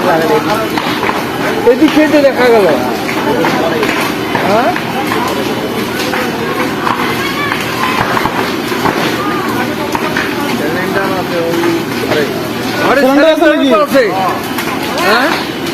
এদিক থেকে দেখা গেল। হ্যাঁ হ্যাঁ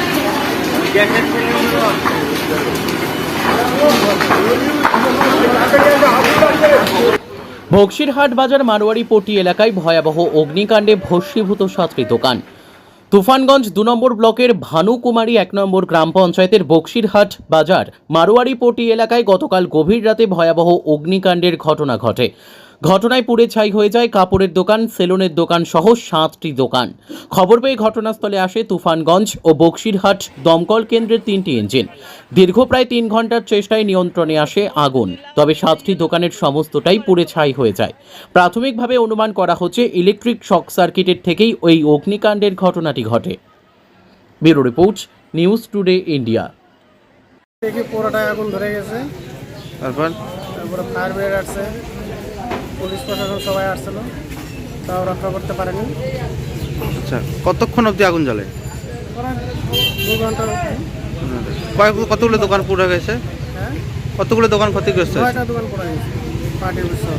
বক্সিরহাট বাজার মারোয়ারিপট্টি এলাকায় ভয়াবহ অগ্নিকাণ্ডে ভস্মীভূত 7টি দোকান। তুফানগঞ্জ 2 নম্বর ব্লকের ভানুকুমারী 1 নম্বর গ্রাম পঞ্চায়েতের বক্সিরহাট বাজার মারোয়ারিপট্টি এলাকায় গতকাল গভীর রাতে ভয়াবহ অগ্নিকাণ্ডের ঘটনা ঘটে। ঘটনায় পুড়ে ছাই হয়ে যায় কাপড়ের দোকান, সেলুনের দোকান সহ 7টি দোকান। খবর পেয়ে ঘটনাস্থলে আসে তুফানগঞ্জ ও বক্সিরহাট দমকল কেন্দ্রের 3টি ইঞ্জিন। দীর্ঘ প্রায় 3 ঘন্টার চেষ্টায় নিয়ন্ত্রণে আসে আগুন, তবে 7টি দোকানের সমস্তটাই পুড়ে ছাই হয়ে যায়। প্রাথমিকভাবে অনুমান করা হচ্ছে ইলেকট্রিক শক সার্কিটের থেকেই ওই অগ্নিকাণ্ডের ঘটনাটি ঘটে। Bureau report, news today India. দেখি পুরোটাই আগুন ধরে গেছে। তারপরে ফায়ার ব্রিগেড আসছে, পুলিশ প্রশাসন সবাই আসছিল, তাও রক্ষা করতে পারেনি। আচ্ছা, কতক্ষণ অবধি আগুন জ্বলে? প্রায় 2 ঘন্টার অবধি। কতগুলো দোকান পুড়ে গেছে? হ্যাঁ, কতগুলো দোকান ক্ষতিগ্রস্ত হয়েছে? 6টা দোকান পড়ে গেছে, পার্টির সহ।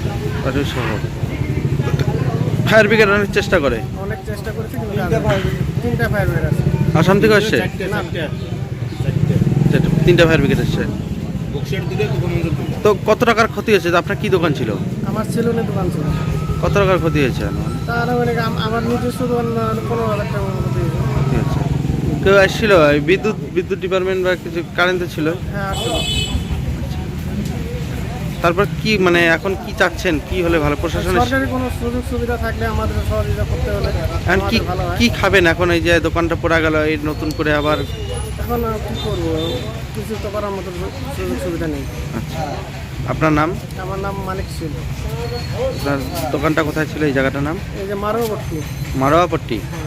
ফায়ার ব্রিগেড অনেক চেষ্টা করে, অনেক চেষ্টা করেছি, কিন্তু 3টা ফায়ার ব্রিগেড আছে। আসাম থেকে আসছে? না, 3টা ফায়ার ব্রিগেড আসছে। তো কত টাকার ক্ষতি হয়েছে? আপনার কি দোকান ছিল? আমার সেলুনের দোকান ছিল। কত টাকার ক্ষতি হয়েছে? তার মানে আমার নিজস্ব দোকান 15,000 টাকা মতো হয়েছে। ঠিক আছে। কেউ আসছিল? বিদ্যুৎ ডিপার্টমেন্ট বা কিছু কারেন্টে ছিল? হ্যাঁ, আসছিল। তারপর কি মানে এখন কি চাচ্ছেন, কি হলে ভালো? প্রশাসনের সরকারি কোনো সুযোগ সুবিধা থাকলে আমাদের সহযোগিতা করতে হলে এখন কি ভালো হয়। কি খাবেন এখন? এই যে দোকানটা পড়ে গেল, এই নতুন করে আবার এখন কি করবো, কিছু তো করার মতো সুযোগ সুবিধা নেই। আচ্ছা, আপনার নাম? আমার নাম মানিক ছিল। আপনার দোকানটা কোথায় ছিল? এই জায়গাটার নাম? এই যে মারোয়ারিপট্টি। মারোয়ারিপট্টি।